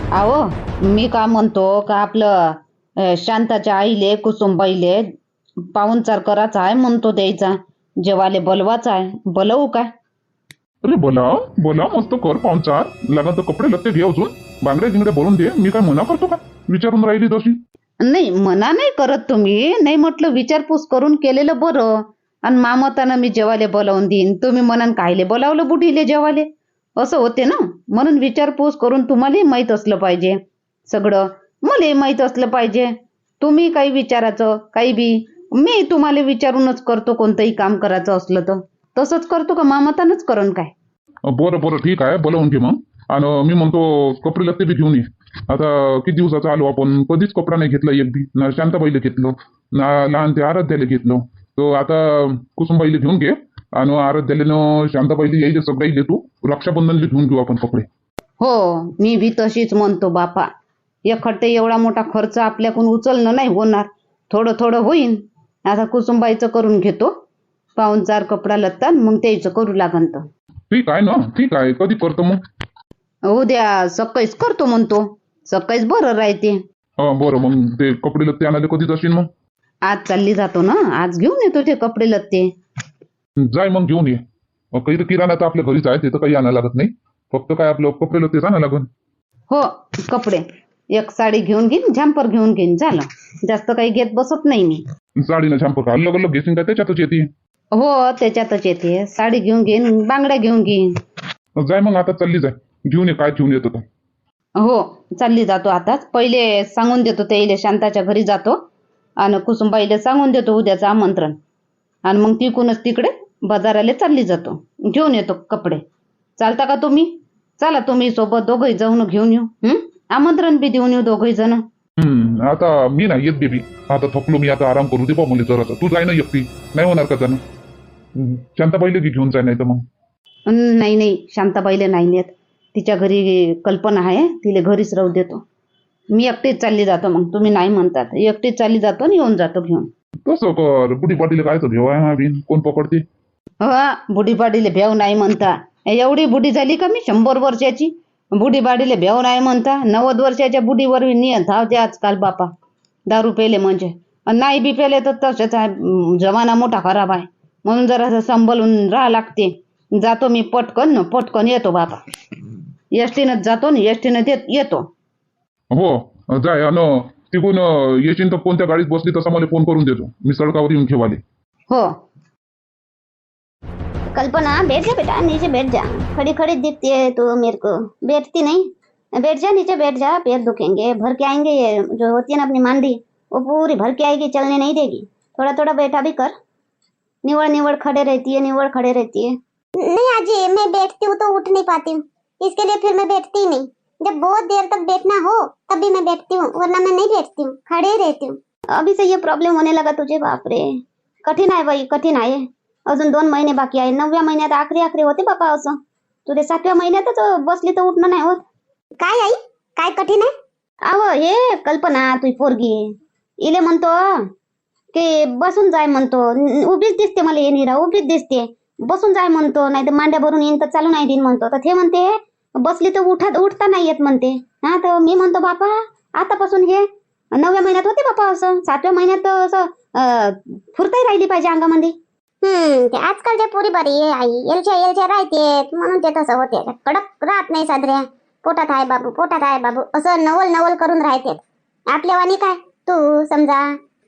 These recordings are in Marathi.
अहो मी का म्हणतो का आपलं शांताच्या आईले कुसुमबाईले पाहुणचार करायचा आहे म्हणतो द्यायचा जेवाले बोलवाचा आहे बोलवू काय? अरे बोला बोला, मस्त कर पाहुणचार. लागन तर कपडे लत्ते घे, अजून बांगड्या गिंगड्या बोलून दे. मी काय मना करतो का? विचारून राहिली तशी. नाही मना नाही करत तुम्ही, नाही म्हटलं विचारपूस करून केलेलं बरं. आणि मामतानं मी जेवाले बोलावून देईन, तुम्ही म्हणान कायले बोलावलं बुढीले जेवाले, असं होते ना. म्हणून विचारपूस करून तुम्हालाही माहीत असलं पाहिजे सगळं, मलाही माहीत असलं पाहिजे. तुम्ही काही विचारायचं काही बी मी तुम्हाला विचारूनच करतो, कोणतंही काम करायचं असलं तर. तसंच करतो का मामतानंच करण काय? बरं बरं ठीक आहे, बोलावून घे मग. आणि मी म्हणतो कपडे लत्ते बी घेऊन ये. आता किती दिवसाचा आलो आपण, कधीच कपडा नाही घेतला एक बी. ना शांताबाईला घेतलो, ना लहान ते आराध्याला घेतलो. तो आता कुसुमबाईला घेऊन घे. आणि आराध्याला शांताबाईला यायचे सगळ्याला तू रक्षाबंधनला घेऊन घेऊ आपण कपडे. हो मी बी तशीच म्हणतो बापा. एकखट्टे एवढा मोठा खर्च आपल्याकडून उचलणं नाही होणार, थोडं थोडं होईन. आता कुसुमबाईचं करून घेतो पाहुणचार कपडा लत्ता, मग त्याचं करू लागन तर. ठीक आहे ना, ठीक आहे. कधी करतो मग? उद्या सकाळीच करतो म्हणतो, सकाळीच बरं राहते. बरं, मग ते कपडे लत्ते आणायला कधी जाशील मग? आज चालली जातो ना, आज घेऊन येतो ते कपडे लत्ते. जाय मग घेऊन ये. काही तर किराणा तर आपल्या घरीच आहे, ते तर काही आणायला लागत नाही. फक्त काय आपलं कपडे लत्तेच आणायला लागन. हो कपडे एक साडी घेऊन घेईन, झॅम्पर घेऊन घेईन, झालं. जास्त काही घेत बसत नाही मी. साडीनं छांप का अलग अलग घेशील काय? त्याच्यातच येते. हो त्याच्यातच येते. साडी घेऊन घेईन, बांगड्या घेऊन घेईन. जाय मग, आता चालली जाय. घेऊन ये काय घेऊन येतो तर. हो चालली जातो आताच. पहिले सांगून देतो त्याईले शांताच्या घरी जातो आणि कुसुमबाईला सांगून देतो उद्याचं आमंत्रण. आणि मग तिकूनच तिकडे बाजाराला चालली जातो, घेऊन येतो कपडे. चालता का तुम्ही? चला तुम्ही सोबत दोघंही जाऊन घेऊन येऊ. आमंत्रण बी देऊन येऊ दोघंही जण. आता मी नाही येत बेबी. आता थकलो मी, आता आराम करू दे बा मला जरासा. तू जाय ना एकटी, नाही होणार का जाणं? शांताबाईला घेऊन जाय, नाही तर मग. नाही नाही शांताबाईला नाही नेत, तिच्या घरी कल्पना आहे, तिला घरीच राहू देतो. मी एकटीच चालली जातो. मग तुम्ही नाही म्हणतात, एकटीच चालली जातो आणि येऊन जातो घेऊन. तसं कर. बुढी पाटील काय तर घेऊ आहे बिन, कोण पकडते? बुढी पाडीले भेव नाही म्हणता. एवढी बुढी झाली का मी, 100 वर्षाची? बुढी पाडीले भेव नाही म्हणता. 90 वर्षाच्या बुढीवर नियत धावते आजकाल बापा, दारू पेले म्हणजे. आणि नाही बी पेले तर तसेच आहे, जमाना मोठा खराब आहे. म्हणून जरा सांभाळून राहा लागते. जातो मी पटकन पटकन येतो बापा. एसटीनंच जातो ना, एसटीनं येतो. हो जाय. आणि तिकून येशील तर कोणत्या गाडीत बसली तसा मला फोन करून देतो, मी सडकावर येऊन घेवाले. हो कल्पना बैठ जा बेटा, नीचे बैठ जा। खड़ी खड़ी दिखती है तो मेरे को। बैठती नहीं, बैठ जा नीचे, बैठ जा, पैर दुखेंगे। भर के आएंगे ये जो होती है ना अपनी मांडी, वो पूरी भर के आएगी, चलने नहीं देगी। थोड़ा थोड़ा बैठा भी कर। निवड़ निवड़ खड़े रहती है, निवड़ खड़े रहती है। नहीं आजी, मैं बैठती हूँ तो उठ नहीं पाती हूँ, इसके लिए फिर मैं बैठती ही नहीं। जब बहुत देर तक बैठना हो तभी मैं बैठती हूँ, वरना मैं नहीं बैठती हूँ, खड़े रहती हूँ। अभी से ये प्रॉब्लम होने लगा तुझे? बाप रे, कठीण आहे बाई, कठीण आहे। अजून 2 महिने बाकी आहे, 9व्या महिन्यात आखरी आखरी होते बापा असं. तुझे 7व्या महिन्यातच बसली तर उठणं नाही होत. काय आई, काय कठीण आहे? अव हे कल्पना तुझी पोरगी, इले म्हणतो की बसून जाय म्हणतो. उभीच दिसते मला, ये निरा उभीच दिसते. बसून जाय म्हणतो, नाही तर मांड्या भरून येईन तर चालू नाही देईन म्हणतो. तर ते म्हणते बसली तर उठता नाही येत म्हणते. हा तर मी म्हणतो बापा आतापासून हे 9व्या महिन्यात होते बापा असं, 7व्या महिन्यात असं फुरताही राहिली पाहिजे अंगामध्ये. ते आजकालच्या पोरी बरी आहे आई, एलच्या राहते म्हणून ते तसं होते. कडक राहत नाही साधऱ्या. पोटात आहे बाबू, पोटात आहे बाबू असं नवल नवल करून राहते. आपल्या वाणी काय, तू समजा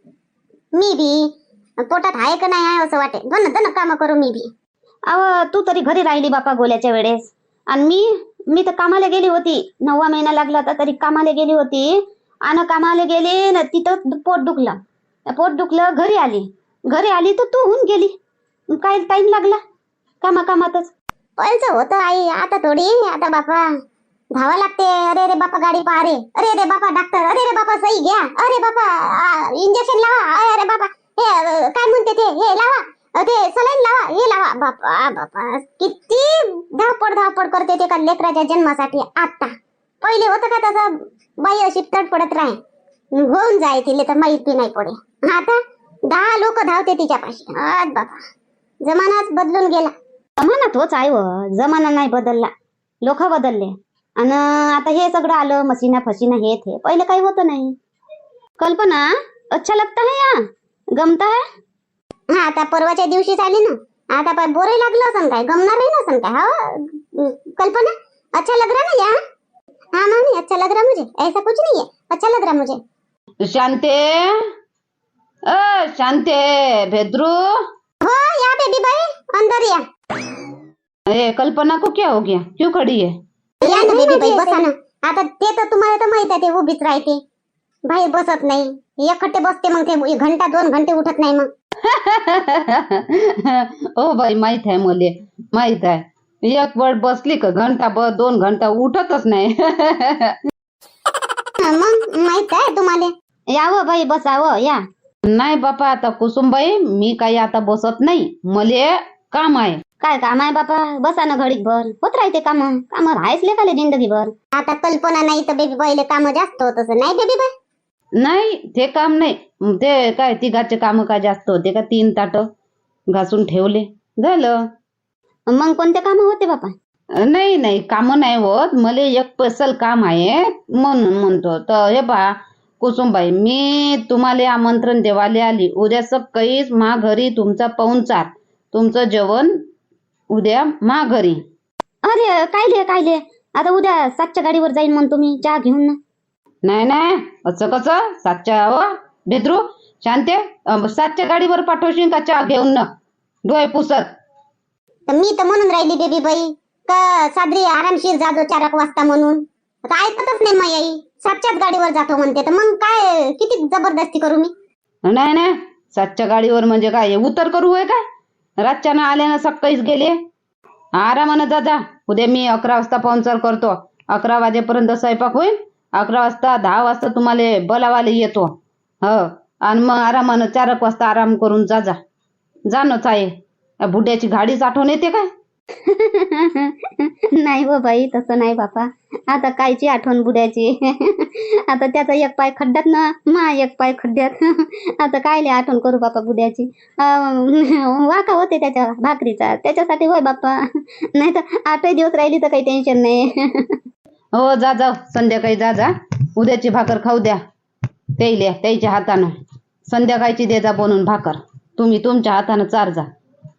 मी बी पोटात आहे का नाही आहे असं वाटे, दोन काम करू मी बी. अव तू तरी घरी राहिली बापा गोल्याच्या वेळेस, आणि मी तर कामाला गेली होती. 9वा महिना लागला होता तरी कामाला गेली होती. आणि कामाला गेली न तिथं पोट दुखलं, घरी आली तर तू होऊन गेली. काय टाइम लागला कामातच. पहिलं होतं आई, आता थोडी. आता बापा धावा लागते. अरे रे बापा गाडी पहा रे, अरे रे बापा डॉक्टर, अरे रे बापा सही घ्या, अरे बापा इंजेक्शन लावा, अरे बापा हे काय म्हणते ते हे लावा, ते सलाईन लावा, हे लावा. बापा किती धावपड करते ते का लेकराच्या जन्मासाठी. आता पहिले होतं का तसं? बाई अशी तडपडत राहे, होऊन जाय तिले तर माहित बी नाही पडे. आता 10 लोक धावते तिच्यापाशी. बापा जमानाच बदलून गेला. जमाना तोच आहे व, जमाना नाही बदलला, लोक बदलले. आणि आता हे सगळं आलं, मशीना फशीना हे ते. पहिले काही होतं नाही. कल्पना, अच्छा लगता है या गमता है? हा आता परवाच्या दिवशीच आली ना, आता पाय बोरे लागलं असन काय, गमणार नाही ना असन काय. हा कल्पना, अच्छा लग रहा ना यहाँ? हाँ मामी, अच्छा लग रहा मुझे, ऐसा कुछ नहीं है, अच्छा लग रहा मुझे. शांते, शांते, भेद्रू. हो या बेबी बाई, अंदर या. ए, कल्पना को क्या हो गया, क्यों खड़ी है? या ना बेबी बाई, बसा ना. आता ते तर तुम्हाला तर माहित आहे, ते उभीच राहते, बाहेर बसत नाही. एकखट्टे बसते, मग ते घंटा 2 घंटे उठत नाही मग. ओ बाई, माहित आहे मले, माहित आहे. एक वेळ बसली का घंटा 2 घंटा उठतच नाही. मग माहित आहे तुम्हाला. यावं बाई, बसावं या. नाही बापा, आता कुसुमबाई, मी काही आता बसत नाही, मले काम आहे. काय काम आहे बापा, बसा ना घडीक भर. होत राहते काम, काम राहायच लेखाले जिंदगीभर. आता कल्पना नाही तर बेबी बाईले काम जास्त होत असं नाही बेबी बाई. नाही, ते काम नाही. ते काय तिघाचे काम काय जास्त होते का? 3 ताट घासून ठेवले, झालं. मग कोणते काम होते बापा? नाही नाही, काम नाही होत, मला एक स्पेशल काम आहे म्हणून म्हणतो. तर हे पहा कुसुमबाई, मी तुम्हाला आमंत्रण देवाले आली. उद्या सकाळीच मा घरी तुमचा पाहुणचार, तुमचं जेवण उद्या मा घरी. अरे कायले आता उद्या 7च्या गाडीवर जाईन म्हणतो मी, चहा घेऊन ना. नाही नाही, असं कसं 7च्या? हो भेद्रू, शांते, 7च्या गाडीवर पाठवशील का चहा घेऊन ना, डोळे पुसत? तर मी तर म्हणून राहिली बेबी बाई का सादरी आरामशीर जाजो 4 वाजता म्हणून. आता ऐकतच नाही मग आई, 7च्याच गाडीवर जातो म्हणते, तर मग काय किती जबरदस्ती करू मी. नाही नाही, 7च्या गाडीवर म्हणजे काय उतर करू आहे काय? रातच्यानं आले ना, सकाळीच गेले. आरामानं जा. उद्या मी 11 वाजता पाहुणचार करतो. 11 वाजेपर्यंत स्वयंपाक होईल. 11 वाजता 10 वाजता तुम्हाला बोलावाले येतो. हो, आणि मग आरामानं 4 वाजता आराम करून जा ना. आहे बुड्याची गाडीच आठवण येते काय? नाही हो बाई, तसं नाही बापा. आता कायची आठवण बुड्याची. आता त्याचा एक पाय खड्ड्यात ना, मा एक पाय खड्ड्यात. आता कायले आठवण करू बापा बुड्याची. वाका होते त्याच्या भाकरीचा, त्याच्यासाठी होय बापा. नाही तर 8 दिवस राहिली तर काही टेन्शन नाही. हो, जा संध्याकाळी जा. उद्याची भाकर खाऊ द्या त्याच्या हातानं. संध्याकाळची दे जा बनवून भाकर, तुम्ही तुमच्या हातानं चार जा.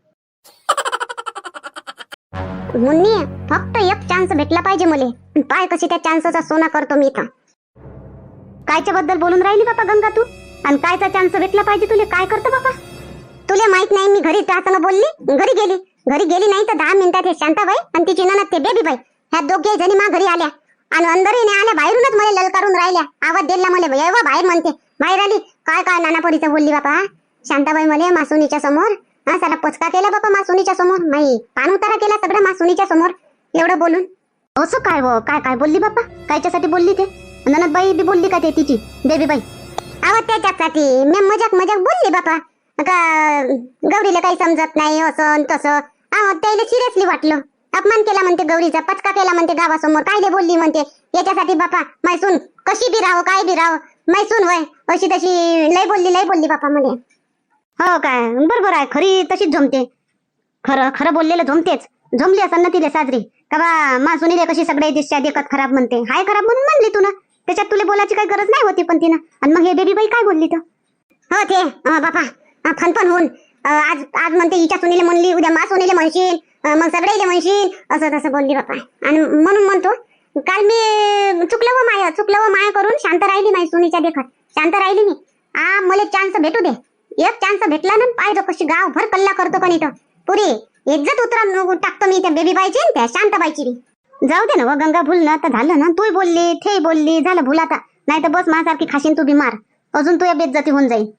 मुन्नी, फक्त एक चान्स भेटला पाहिजे मले. पाय कशी त्या चान्सचा सोना करतो मी इथं. कायच्या बद्दल बोलून राहिली बापा गंगा तू? आणि कायचा चान्स भेटला पाहिजे तुले? काय करतो बापा? तुला माहित नाही मी घरी त्यासंग बोलली, घरी गेली नाही तर 10 मिनिटात हे शांताबाई आणि तिची ननद ते बेबी बाई ह्या दोघे जणी मा घरी आल्या आणि अंदरही नाही आल्या, बाहेरूनच मला ललकारून राहिल्या. आवाज दिला मला, येवा बाहेर म्हणते. बाहेर आली, काय नानापरीचं बोलली बापा शांताबाई मला मासुनीच्या समोर. हा सारा पचका केला बापा मासुनीच्या समोर, नाही पान उतारा केला सगळा मासुनीच्या समोर एवढं बोलून. असं काय काय बोलली बापा? कायच्यासाठी बोलली ते? ननदबाई बी बोलली का ते तिची बेबी बाई? आवाज त्याच्यासाठी मी मजाक बोलली बापा का गौरीला काही समजत नाही असं तसं. त्याला सिरियसली वाटलं, अपमान केला म्हणते गौरीचा, पचका केला म्हणते गावासमोर. कायले बोलली म्हणते याच्यासाठी बापा. मैसून कशी बी राहो, काय बी राहो, मैसून होय अशी तशी लय बोलली बापा म्हणे. हो काय, बरोबर आहे, खरी तशीच झोमते. खरं बोललेलं झोमली असं ना तिले साजरी का बा मा सुनीले कशी सगळे दिसच्या देखत खराब म्हणते. हाय खराब म्हणून म्हणली तू ना, त्याच्यात तुला बोलायची काही गरज नाही होती. पण तिनं आणि मग हे बेबी बाई काय बोलली तर? हो ते बापा फनफन होऊन आज म्हणते हिच्या सुनीले म्हणली, उद्या मा सुनीले म्हणशील, मग सगळेले म्हणशील, असं तसं बोलली बापा. आणि म्हणून म्हणतो काल मी चुकलं व माया करून शांत राहिली नाही सुनीच्या देखत, शांत राहिली मी. मला चान्स भेटू दे, एक चान्स भेटला ना, पाहिजे कशी गावभर कल्ला करतो पण इथं पुरी इज्जत उतरा टाकतो मी त्या बेबी बाईची त्या शांताबाईची. जाऊ दे ना व गंगा, भूल ना तर झालं ना. तूही बोलली, ते बोलली, झालं भूल आता. नाही तर बस माझ्यासारखी खाशीन तू बीमार, अजून तू या बेइज्जती होऊन जाईल.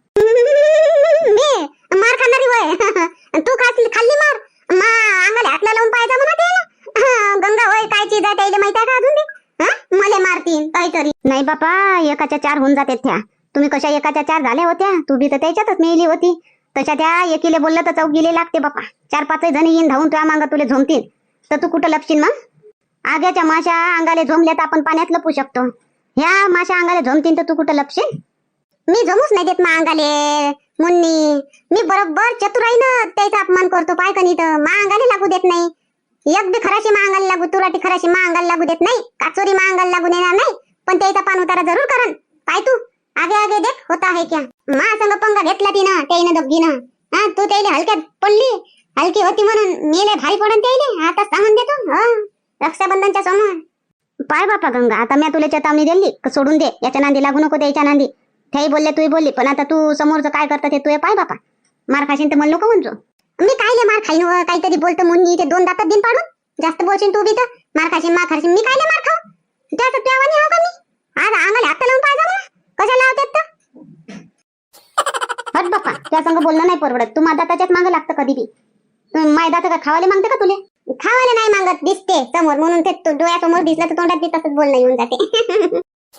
मी मार खाणारी वय तू खाल्ली मार मा अंगाला हातला लावून पाहायचा म्हणा ते गंगा होय काय चीज आहे त्याला माहिती आहे का अजून बी? मला मारतीन काहीतरी. नाही बापा, एकाच्या 4 होऊन जाते त्या. तुम्ही कशा एकाच्या 4 झाल्या होत्या, तू बी तर त्याच्यातच मेली होती. तशा त्या एकीले बोललं तर चौकीले लागते बापा. 4-5 जणी येईन धावून तुझ्या मागं तुला झोमतील तर तू कुठं लपशील मग? आग्याच्या माशा अंगाले झोमल्या तर आपण पाण्यात लपू शकतो, ह्या माशा अंगाले झोमतील तर तू कुठं लपशील? मी जमूच नाही देत मा अंगाले मुन्नी. मी बरोबर चतुराईनं त्याचा अपमान करतो, पाय कनी तर मा अंगाले लागू देत नाही. एक बी खराशी महागाला लागू, तुराटी खराशी महागाला लागू देत नाही, काचोरी महागाला लागू देणार नाही, पण त्याचा पान उतारा जरूर करन. पाय तू आगे आगे देख होता है क्या. मा संग पंगा घेतला तिनं त्याईनं दोघीनं. हा तू त्याईले हलक्यात पडली, हलकी होती म्हणून मेले भारी पडन त्याईले. आता सांगून देतो रक्षाबंधनच्या समोर. पाय बापा गंगा, आता मी तुला चेतावणी दिली सोडून दे, याच्या नांदी लागू नको, त्याच्या नांदी. तेही बोलले तूही बोलली, पण आता तू समोरचं काय करतं ते तू पाय बापा. मार खाशीन तर मला नको म्हणतो. मी कायले मार खाईन काहीतरी बोलतो मुन्नी, ते 2 दातात दिन पाडून. जास्त बोलशील तू बी तर मार खाशीन मी कायले मार खाऊ. त्याचं त्यावानी हा का मी आज अंगाला हात लावून पाहिजे मला कशाला लावतात तर. हट बापा, त्या संग बोलणं नाही परवडत. तू माझ्या दाताच्याच मागं लागतं कधी बी. माझ्या दात का खावाले मागते का तुले? खावाले नाही मागत, दिसते समोर म्हणून ते डोळ्यासमोर दिसलं तर तोंडात बी तसंच बोलणं येऊन जाते.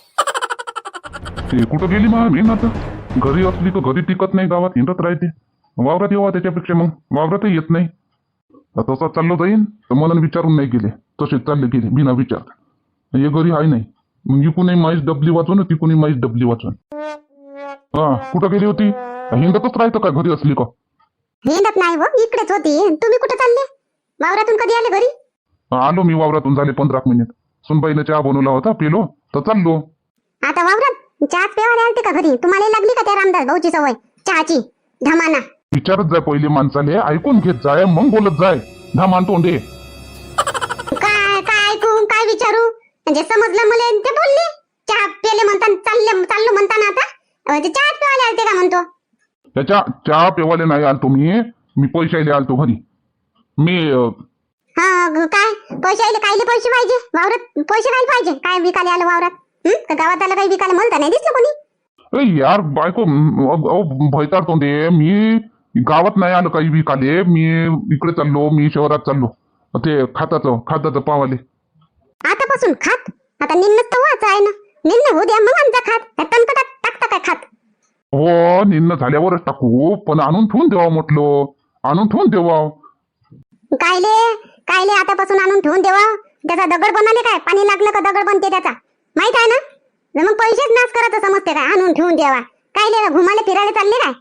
ते कुठं गेली मग मेन आता? घरी असली तर घरी टिकत नाही, गावात हिंडत राहते. वावरात येवा त्याच्यापेक्षा मग वावरातही येत नाही. तसा चाललो जाईन तर मला विचारून नाही गेले, तसेच चालले गेले बिना विचार. हे घरी आहे नाही, मग इकूनही माईच डबली वाचून तिकूनही माईच डबली वाचून. हा कुठं गेली होती? हिंडतच राहतं का घरी असली का? हिंडत नाही व, इकडेच होती. तुम्ही कुठे चालले? वावरातून कधी आले घरी? आलो मी वावरातून, झाले 15 मिनिट. सुनबाईने चहा बनवला होता, पिलो तर चाललो. आता वावरात चहाच पेवाले आलते का घरी? तुम्हाला लागली का त्या रामदास भाऊची सवय चहाची धमाना? विचारत जाय पहिले माणसाले, ऐकून घेत जाय मग बोलत जाय. धामान तोंडे काय काय ऐकू काय विचारू? म्हणजे समजलं मला ते बोलले चहा पेले म्हणता चाललो म्हणताना आता म्हणजे चहाच पेवाले आलते का म्हणतो? त्याच्या चहा पेवाले नाही आलतो मी पैशाले आलतो घरी. मी हा काय पैसे कायले पैसे पाहिजे? वावरात पैसे काय पाहिजे? काय विकाले आलं वावरात? का गावात आलं काही विकायला म्हणता नाही दिसलं कोणी? अरे यार बायको भयतार तोंडे, मी गावात नाही आलो काही विकाले. मी इकडे चाललो, मी शहरात चाललो ते खाताचं पावाले. आतापासून खात? आता निन्न तर वाच आहे ना, निन्न होऊ द्या मग आमचा खात. तणकटात टाकता काय खात? हो निन्न झाल्यावरच टाकू, पण आणून ठेवून देवा म्हटलं, आणून ठेवून देवा. कायले आतापासून आणून ठेवून देवा? त्याचा दगड बनाले काय? पाणी लागलं का दगड बनते त्याचा, माहित आहे ना? मग पैसेच नाश करायचं समजते काय? आणून ठेवून देवा कायले? घुमाले फिरायला चालले काय?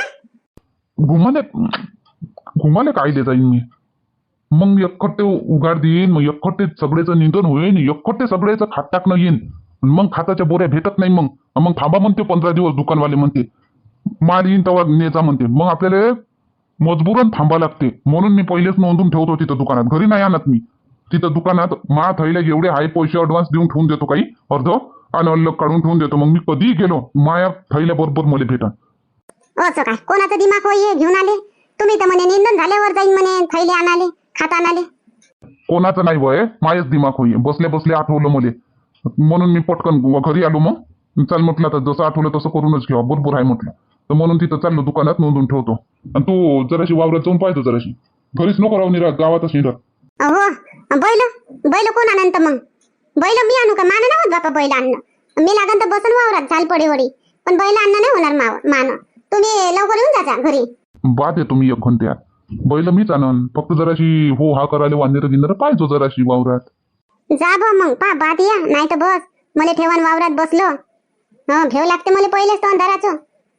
घुमाले कायले जाईन मी? मग एकखट्टे उगाड देईन, मग एकखट्टे सगळेचं निंदन होईन, एकखट्टे सगळेचं खात टाकणं येईन. मग खाताच्या बोऱ्या भेटत नाही. मग थांबा म्हणते 15 दिवस, दुकानवाले म्हणते माल येईन तेव्हा नेचा म्हणते. मग आपल्याला मजबूरन थांबा लागते. म्हणून मी पहिलेच नोंदून ठेवतो तिथं दुकानात, घरी नाही आणत मी. तिथं दुकानात मा थैल्या एवढे आहे पैसे ऍडव्हान्स देऊन ठेवून देतो, काही अर्ध आणि अल्लग काढून ठेवून देतो. मग मी कधीही गेलो माया थैल्या बरोबर मला भेटा. असं काय कोणाचं दिमाग होई घेऊन आले तुम्ही? तर म्हणे निंदन झाल्यावर जाईन म्हणे थैले आणाले खात आणाले. कोणाचं नाही वय, मायच दिमाग होई. बसल्या बसल्या आठवलं मले, म्हणून मी पटकन घरी आलो. मग चाल म्हटलं तर जसं आठवलं तसं करूनच घेऊ, बरोबर आहे म्हटलं. तर म्हणून तिथं चाललो दुकानात नोंदून ठेवतो. आणि तू जराशी वावरात जाऊन पाहतो, जराशी घरीच नको राहू निरा, गावातच निरा. हो बैल कोण आणत मग? बैल मी आणू का? मान नाही होत बापा बैल आणणं. मी लागन तर बसन वावरात झाल पडे वडी, पण बैल आणणं नाही होणार मान. तुम्ही लवकर येऊन जाता घरी. बाद आहे तुम्ही 1 घंट्यात. बैल मीच आणन, फक्त जराशी हो हा करायला वांदेर गिंदर पाहिजो जराशी वावरात. जा बा मग पा बाद या, नाही तर बस मला ठेवान वावरात बसलो. घेऊ लागते मला पहिलेच तो अंधाराचं.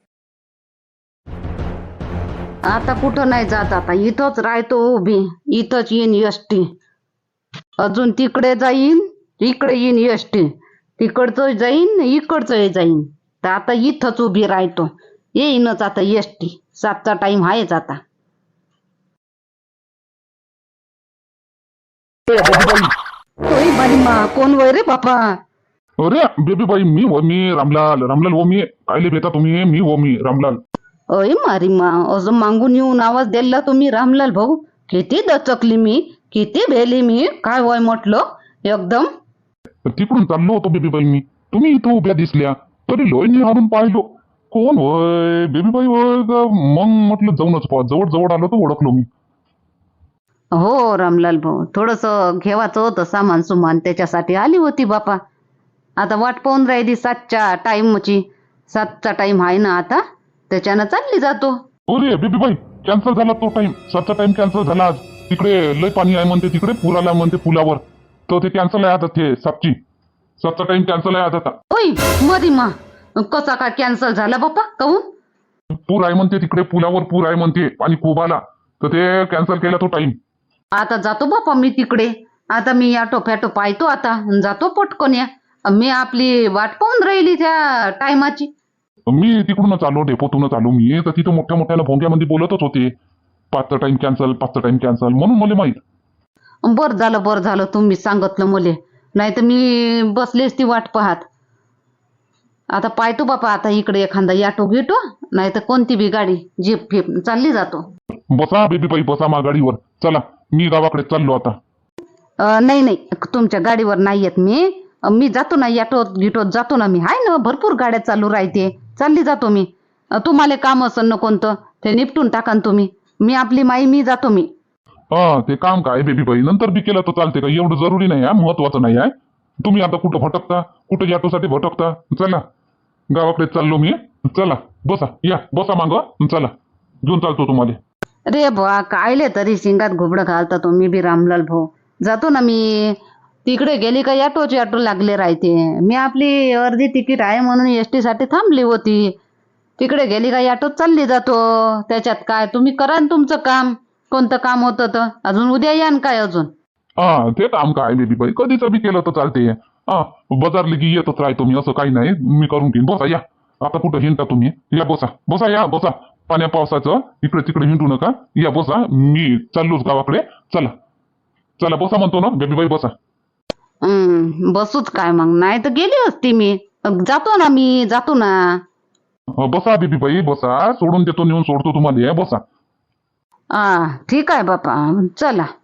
आता कुठं नाही जात, आता इथंच राहतो उभी. इथंच येईन एसटी, अजून तिकडे जाईन, इकडे येईन एसटी, तिकडचं जाईन इकडचं जाईन. तर आता इथंच उभी राहतो, येईनच आता एसटी. 7चा टाइम आहेच आता. होय बाई मा, कोण वय रे बापा? अरे बेबी बाई, मी रामलाल हो. मी कायले भेटा तुम्ही? मी रामलाल. अय मारी मा, असं मागून येऊन आवाज द्यायला तुम्ही रामलाल भाऊ? किती दचकली मी, किती भेली मी. काय वय म्हटलं एकदम? तिकडून चाललो होतो बेबी बाई मी, तुम्ही इथं उभ्या दिसल्या तरी लोईने हारून पाहिलो. कोण होय? बेबी बाई होय का? मग म्हटलं जाऊनच पाहा. जवळ आलो तर ओळखलो मी. हो रामलाल भाऊ, थोडस घेवायचं होतं सामान सुमान, त्याच्यासाठी आली होती बापा. आता वाट पाहून राहिली 7च्या टाइमची. 7चा टाइम आहे ना आता, त्याच्यानं चालली जातो. अरे बेबी बाई, कॅन्सल झाला तो टाइम. 7चा टाइम कॅन्सल झाला आज. तिकडे लय पाणी आहे म्हणते, तिकडे पूर आला म्हणते पुलावर, तर ते कॅन्सल आहे आता. ते 7चा टाइम कॅन्सल आहे आता. ओय मरी मा, कसा काय कॅन्सल झाला बापा? काहून? पूर आहे म्हणते तिकडे, पुलावर पूर आहे म्हणते, पाणी खूप आला, तर ते कॅन्सल केला तो टाइम. आता जातो बापा मी तिकडे. आता मी ऑटो फॅटो पाहतो आता अन जातो पटकन. या मी आपली वाट पाहून राहिली त्या टायमाची. मी तिकडूनच आलो, डेपोतूनच आलो मी. तर तिथं मोठ्या मोठ्याला भोंग्यामध्ये बोलतच होते, 5चा टाइम कॅन्सल, म्हणून मला माहित. बरं झालं तुम्ही सांगितलं मले, नाही तर मी बसली असती वाट पाहत. आता पाहतो बापा, आता इकडे एखादा ऑटो घेतो, नाही तर कोणती बी गाडी जीप फिप चालली जातो. बसा बेबी बाई, बसा मा गाडीवर. चला, मी गावाकडे चाललो आता. नाही तुमच्या गाडीवर नाही येत मी. मी जातो ना, ऑटोत गिटोत जातो ना मी. हाय ना, भरपूर गाड्या चालू राहते, चालली जातो मी. तुम्हाला काम असेल ना कोणतं ते निपटून टाका ना तुम्ही. मी आपली माई मी जातो मी. ते काम काय बेबी बाई, नंतर बी केलं तर चालते का? एवढं जरुरी नाही आहे, महत्वाचं नाही आहे. तुम्ही आता कुठं भटकता, कुठं ऑटोसाठी भटकता? चला, गावाकडे चाललो मी. चला बसा, या बसा माग, चला घेऊन चालतो तुम्हाला. रे बा, कायले तरी शिंगात घुबडं घालता तुम्ही बी रामलाल भाऊ. जातो ना मी. तिकडे गेली का ऑटो लागले राहते. मी आपली अर्धी तिकीट आहे म्हणून एसटी साठी थांबली होती. तिकडे गेली का ऑटोत चालली जातो. त्याच्यात काय, तुम्ही करा ना तुमचं काम. कोणतं काम होतं तर अजून उद्या या न काय अजून. ते काम काय बेबी बाई, कधीच बी केलं तर चालते. बाजार लगी येतच राहतो मी, असं काही नाही. मी करून घेईन. बसा, या. आता कुठं हिंडता तुम्ही? या बसा बसा, या बसा. पाण्या पावसाचं इकडे तिकडे हिंडू नका. या बसा, मी चाललोच गावाकडे. चला चला बसा म्हणतो ना बेबी बाई, बसा. बसूच काय मग, नाही तर गेली असती मी. जातो ना मी, जातो ना. बसा बेबी बाई, बसा. सोडून देतो, नेऊन सोडतो तुम्हाला. बसा. ठीक आहे बापा, चला.